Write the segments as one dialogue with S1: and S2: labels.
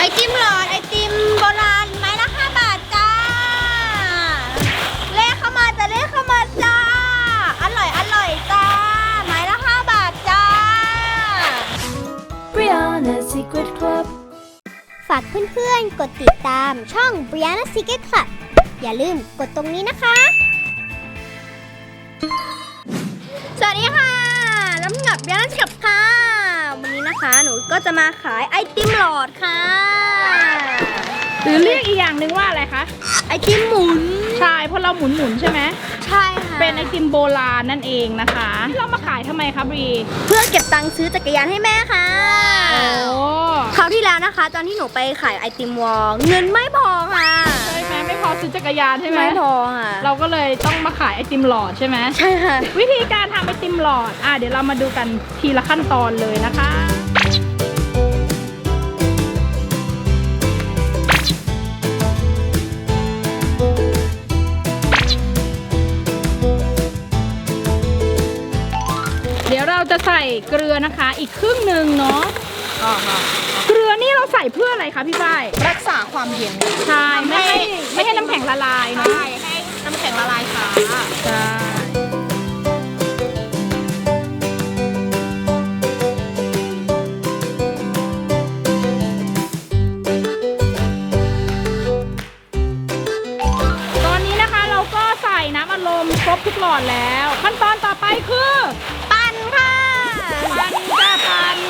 S1: ติมหลอดไอติมโบราณไม้ละ5 บาทจ้าเลขเข้ามาจะเลขเข้ามาจ้าอร่อยจ้าไม้ละ5 บาทจ้า
S2: Brianna Secret Club
S3: ฝากเพื่อนๆกดติดตามช่อง Brianna Secret Club อย่าลืมกดตรงนี้นะคะ
S1: สวัสดีค่ะลำดับย่านกับค่ะวันนี้นะคะหนูก็จะมาขายไอติมหลอดค่ะ
S2: หรือเรียกอีกอย่างหนึ่งว่าอะไรคะ
S1: ไอติมหมุน
S2: ใช่เพราะเราหมุนใช่ไหม
S1: ใช่ค่ะ
S2: เป็นไอติมโบราณนั่นเองนะคะที่เรามาขายทำไมคะบรี
S1: เพื่อเก็บตังค์ซื้อจักรยานให้แม่ค่ะ
S2: โอ้
S1: คราวที่แล้วนะคะ ตอนที่หนูไปขายไอติมวอลเงินไม่พอค่ะ
S2: ใช่ไหมไม่พอซื้อจักรยานใช่ไหม
S1: ไม่พอค่ะ
S2: เราก็เลยต้องมาขายไอติมหลอดใช่ไหม
S1: ใช่ค่ะ
S2: วิธีการทำไอติมหลอดเดี๋ยวเรามาดูกันทีละขั้นตอนเลยนะคะ เดี๋ยวเราจะใส่เกลือนะคะอีกครึ่งหนึ่งเนาะเกลือนี่เราใส่เพื่ออะไรคะพี่ฝ้าย
S1: รักษาความเย็น
S2: ใช่ไม่ให้น้ำแข็งละลายเนาะ
S1: ใช่ให้น้ำแข็งละลายค่ะ
S2: ใช่ตอนนี้นะคะเราก็ใส่น้ำอัดลมครบทุกหลอดแล้วขั้นตอนต่อไปคือ
S1: ปั่นค่ะ
S2: ปั่นจ้าปั่น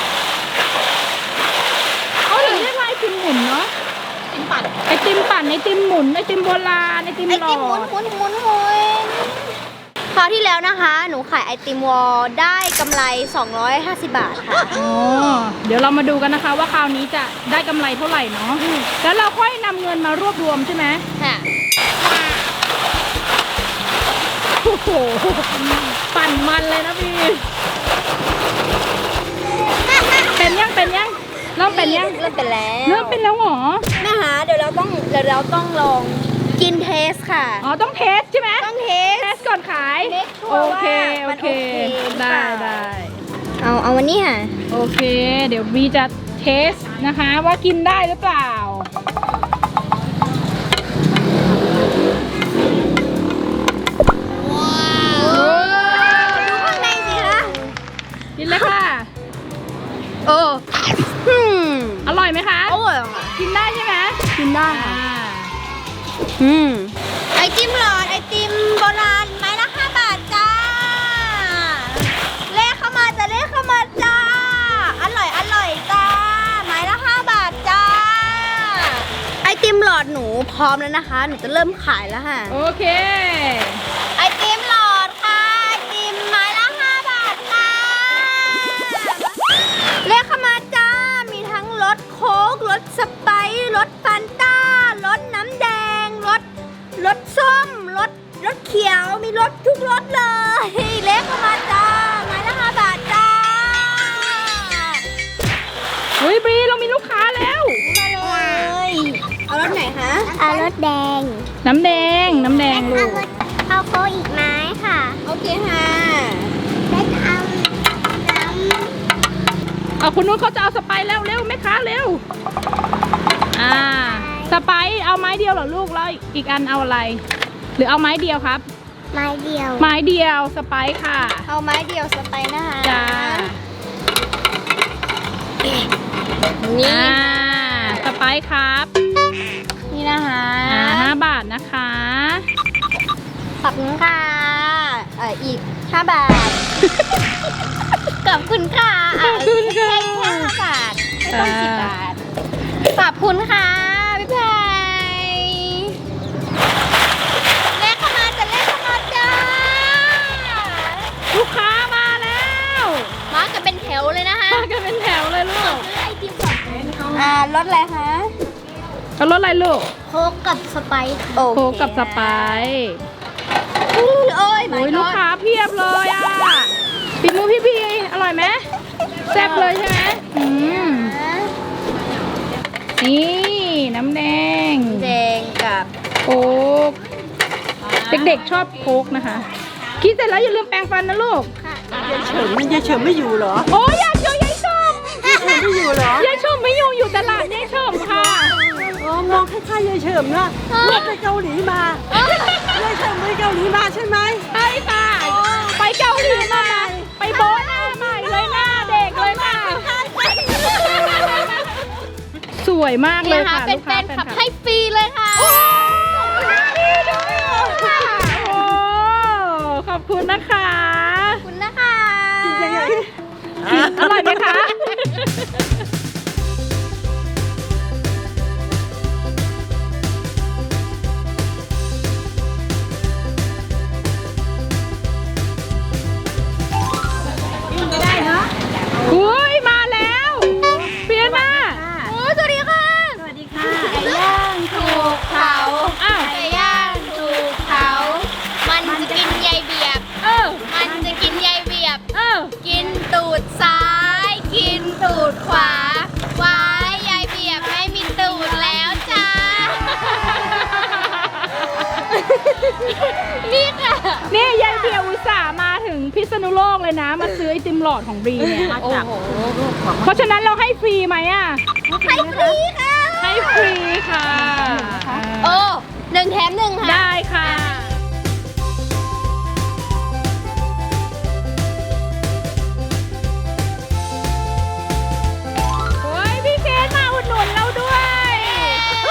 S2: เขาถึงเรียกว่าไอติมหมุนเนาะ
S1: ติมปั่น
S2: ไอติมปั่นไอติมหมุนไอติมโบราณไอติม
S1: ไอ
S2: หลอ
S1: ติมหมุน
S2: ด
S1: หคราวที่แล้วนะคะ หนูขายไอติมวอลได้กำไร250 บาทค่ะ
S2: อ๋อเดี๋ยวเรามาดูกันนะคะว่าคราวนี้จะได้กำไรเท่าไหร่เนาะแล้วเราค่อยนำเงินมารวบรวมใช่ไหม
S1: ค่ะ
S2: โอ้โหปั่นมันเลยนะพี่เป็นยังเริ่มเป็นยัง
S1: เริ่มเป็นแล้ว
S2: เริ่มเป็นแล้วเหรอ
S1: นะคะเดี๋ยวเราต้องลองกินเทสค่ะ
S2: อ๋อต้องเทสใช่ไหม
S1: ต้องเทส
S2: เทสก่อนขาย
S1: เทสชัว
S2: โอ
S1: ร์ว่า
S2: เค
S1: มัน
S2: โอเค
S1: โอเคหรือเป
S2: ได้
S1: ล่า
S2: ได้
S1: เอาวันนี้ค่ะ
S2: โอเคเดี๋ยวบีจะเทสนะคะว่ากินได้หรือเปล่าโอ้
S1: ดูข้างในสิคะ
S2: กินเลยค่ะ
S1: โอ้อืม
S2: อร่อยไหมคะ
S1: อร่อยค่ะ
S2: กินได้ใช่ไหม
S1: กินได้
S2: อ่า
S1: ค่ะไอติมหลอดไอติมโบราณไม้ละ5 บาทจ้าเลขเข้ามาจะเลขเข้ามาจ้าอร่อยจ้าไม้ละ5 บาทจ้าไอติมหลอดหนูพร้อมแล้วนะคะหนูจะเริ่มขายแล้วค่ะ
S2: โอเค
S1: ไอติมหลอดค่ะไอติมไม้ละ5 บาทค่ะเลขเข้ามาจ้ามีทั้งรสโค้กรสสไปซ์รสฟานต้ารสน้ำแดงรสส้มรสเขียวมีรสทุกรสเลยเลขเข้ามาจ้าไม้ละ5 บาทจ้า
S2: เฮ้ยบรีเรามีลูกค้าแล้ว
S1: มาเลยเอารสไหนคะ
S3: เอารถแดง
S2: น้ำแดงลูก
S3: เอาโค้กอีกไม้ค่ะ
S1: โอเคค่ะ
S3: แล้วเอาน้
S2: เอาคุณนุ้นเขาจะเอาสไปซ์แล้วเร็วแม่ค้าเร็วสไปซ์เอาไม้เดียวเหรอลูกแล้วอีกอันเอาอะไร หรือเอาไม้เดียวครับ
S3: ำไม้เดียว
S2: ไม้เดียวสไปซ์ค่ะ
S1: เอาไม้เดียวสไปซ์นะคะ
S2: จ้า
S1: นี่
S2: สไปซ์ครับ
S1: นี่นะคะ
S2: 5 บาทนะคะ
S1: ขอบคุณค่ะอีก5 บาท ขอบคุณค่ะ
S2: ขอบคุณค่ะ
S1: แค่5 บาทไม่ต้อง10 บาทขอบคุณค่ะพี่แพรเลขเข้ามาจะเลขเข้ามาจ้า
S2: ลูกค้ามาแล้ว
S1: มากันเป็นแถวเลยนะคะ
S2: มากันเป็นแถวเลยลูก
S1: ไอติมก่อนรสอะไรคะ
S2: เอารถอะไรลูก
S3: โค้กกับสไปซ์
S1: โอ
S2: โคกกับสไปซ์
S1: โอ้ย
S2: โอ้ยลูกค้าเพียบเลยฝีมือพี่พีอร่อยไหมแซ่บเลยใช่ไหมนี่น้ำแดง
S1: แดงกับ
S2: โค้กเด็กๆชอบโค้กนะคะ คิดเสร็จแล้วอย่าลืมแปรงฟันนะลูก
S4: ยายเฉิมไม่อยู่เหรอ
S2: โอ้ยอยากเจอยายชม
S4: ไม่อยู่เหรอย
S2: ายชมไม่อยู่ตลาดยายช
S4: ล้ายๆยายเฉิมนะเมื่อไปเกาหลีมายายเฉิมไปเกาหลีมาใช่ไหม
S2: ใช่ค่ะ ไปเกาหลีมาไปโบ๊ทหน้าใหม่เลยหน้าเด็กเลยค่ะ สวยมากเลยค่ะ
S1: เป็นแฟนคลับให้ฟรีเลยค่ะ
S2: โอ้ขอบคุณนะคะ
S1: ขอบคุณนะคะ
S2: อร่อยไหมคะอุ้ยมาแล้วเปียน่า
S1: โอ้สวัสดีค่ะ
S4: สวัสดีค่ะ
S1: ไก่ย่างถูกเผา
S2: อ้าว
S1: ไก่ย่างถูกเผามันจะกินใยเบียบ มันจะกินใยเบียบ กินตูดซ้าย กินตูดขวา ว้ายยายเบียบไม่มีตูดแล้วจ้า นี่ค่ะ
S2: นี่ยายเบียร์อุตส่าห์มาถึงพิษณุโลกเลยนะ มาซื้อไอติมหลอดของบรีเนี่ย
S4: มาจากลูกของ
S2: เพราะฉะนั้นเราให้ฟรีไหมอ่ะ
S1: ให้ฟรีค่ะ
S2: ให้ฟรีค่ะ
S1: โอ้1 แถม 1 ค่ะ
S2: ได้ค่ะ โอ้ยพี่เคนมาอุดหนุนเราด้วยโอ้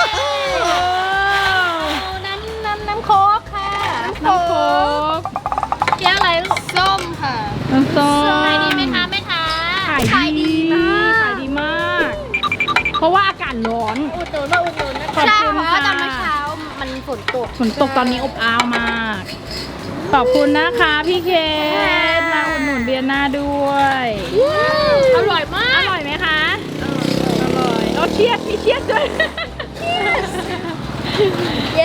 S1: น้ำโค้กค่ะ
S2: น้ำโค้ก
S1: แก้วอะไรลูกส้มค่ะ
S2: น้ำส้ม
S1: ขายดีไหมคะแม่ค้า
S2: ขายดีขายดีมาก เพราะว่าอากาศร้อน
S1: อุดหนุนนะ
S2: ขอบ
S1: ใช่
S2: คุณ
S1: เพราะ
S2: ค่ะ
S1: ว่าตอนเมื่อเช้ามันฝนตก
S2: ฝนตกตอนนี้อบอ้าวมาก ขอบคุณนะคะพี่เคนมาอุดหนุนเบียร์หน้าด้วย
S1: อร่อยมา
S2: อก ร่อยไหมคะ อร่อยโอ้เชียร์มีเชียร์ด้วย
S1: เย้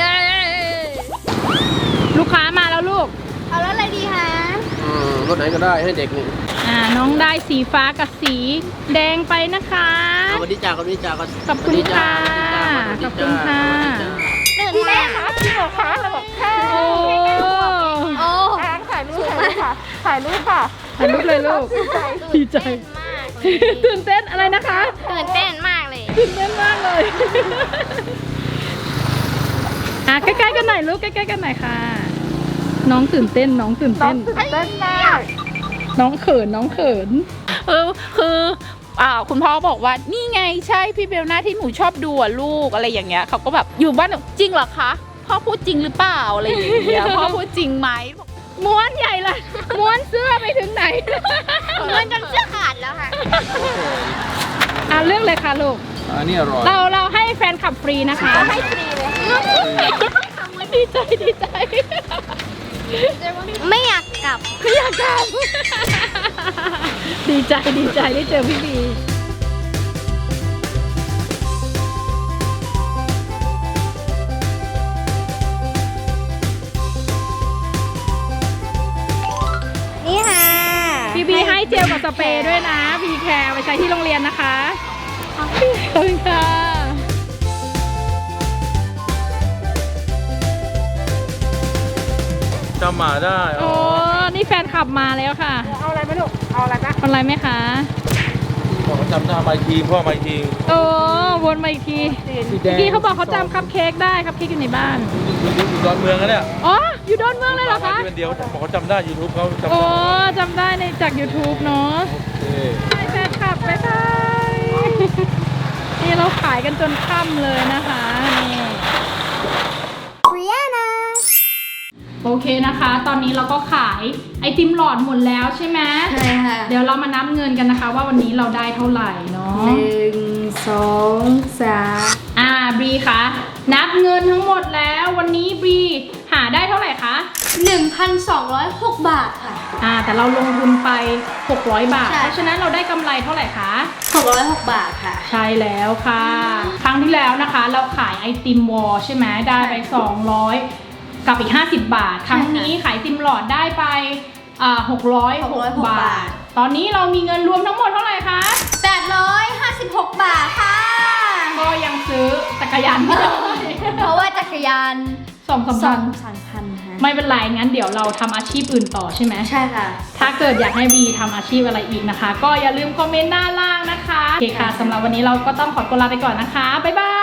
S2: ลูกค้ามาแล้วลูก
S1: เอาแล้วอะไรดีคะ
S5: รถไหนก็ได้ให้เด็กนี่
S2: น้องได้สีฟ้ากับสีแดงไปนะคะ
S5: เอาวันนี้จ่าคนนี้จ่าก็
S2: ขอบคุณค่ะ ขอบคุณค่ะ
S1: ตื่นเต้นค่ะจริงเหรอคะเราบอกค่ะ
S2: โอ้
S1: โอ้
S4: ถ่ายรูปค่ะถ่ายรูปค่ะ
S2: ถ่ายรูปเลยลูก ดีใจ
S1: มาก
S2: ตื่นเต้นอะไรนะคะ
S1: ตื่นเต้นมากเลย
S2: ตื่นเต้นมากเลยใกล้ๆกันหน่อยลูกใกล้ๆกันหน่อยค่ะ น้องตื่นเต้นน้องตื่นเต้น
S4: เต้นมาก
S2: น้องเขินน้องเขิน
S6: คือคุณพ่อบอกว่านี่ไงใช่พี่เบลหน้าที่หนูชอบดูอะลูกอะไรอย่างเงี้ยเขาก็แบบอยู่บ้านแบบจริงเหรอคะพ่อพูดจริงหรือเปล่าอะไรอย่างเงี้ย พ่อพูดจริงไหม
S2: ม้วนใหญ่เลยม้วนเสื้อไปถึงไหน
S1: เงินจนเสื้อขาดแล้วค่ะ
S2: เรื่องเลยค่ะลูก
S5: อันนี้อร่อย
S2: เราให้แฟนขับฟรีนะคะ
S1: ให้ฟรีเลย
S2: ดีใจดีใจ
S1: ไม่อยากกลับ
S2: ไม่อยากกลับ ดีใจดีใจได้เจอพี่บี
S1: นี่ค่ะ
S2: พี่บีให้เจลกับสเปรย์ด้วยนะพีแคร์ไปใช้ที่โรงเรียนนะคะขอบคุณค่ะ
S5: จำมาได้
S2: โอ้นี่แฟนขับมาแล้วค่ะ
S4: เอาอะไรไหมลูก เอาอะไรนะ
S2: อะไรไหมคะ
S5: พ่อจำหน้าไมค์ทีพ่อไมค์ที
S2: โอ้วนมาอีกที
S5: สีแดง
S2: พี่เขาบอกเขาจำคัพเค้กได้คัพเค้กอยู่ในบ้าน
S5: อยู่ดอนเมืองกันเนี่ย
S2: อ๋อ อยู่ดอนเมืองเลยเหรอคะ
S5: เป็นเดียวบอกเขาจำได้ยูทูบเขาจำ
S2: โอ้
S5: ได้
S2: จำได้ในจาก YouTube เนาะ
S5: โอเค
S2: ไปแฟนคลับไปค่ะ นี่เราขายกันจนค่ำเลยนะคะนี่
S3: บริยานา
S2: โอเคนะคะ ตอนนี้เราก็ขายไอติมหลอดหมดแล้วใช่ไหม
S1: ใช่ค่ะ
S2: เดี๋ยวเรามานับเงินกันนะคะ ว่าวันนี้เราได้เท่าไหร่เนาะ
S1: 1 2 3
S2: บรีคะนับเงินทั้งหมดแล้ววันนี้บรีหาได้เท่าไหร่คะ
S1: 1,206 บาทค่ะ
S2: แต่เราลงทุนไป600 บาท
S1: ใช่
S2: เพราะฉะนั้นเราได้กำไรเท่าไหร่คะ
S1: 606 บาทค่ะ
S2: ใช่แล้วค่ะ ครั้งที่แล้วนะคะ เราขายไอติมวอลใช่ไหมได้ไป200กับอีก50 บาท ครั้งนี้ขายไอติมหลอดได้ไป606 บาท ตอนนี้เรามีเงินรวมทั้งหมดเท่าไหร่คะ
S1: 856 บาทค่ะ
S2: ก็ยังซื้อจักรยานไม่ได้
S1: เพราะว่าจักรยาน
S2: 2-3 พัน
S1: 2,000ค่ะ
S2: ไม่เป็นไรงั้นเดี๋ยวเราทำอาชีพอื่นต่อใช่ไหม
S1: ใช่ค่ะ
S2: ถ้าเกิดอยากให้บีทำอาชีพอะไรอีกนะคะ ก็อย่าลืมคอมเมนต์ด้านล่างนะคะโอเคค่ะสำหรับวันนี้เราก็ต้องขอตัวลาไปก่อนนะคะบ๊ายบาย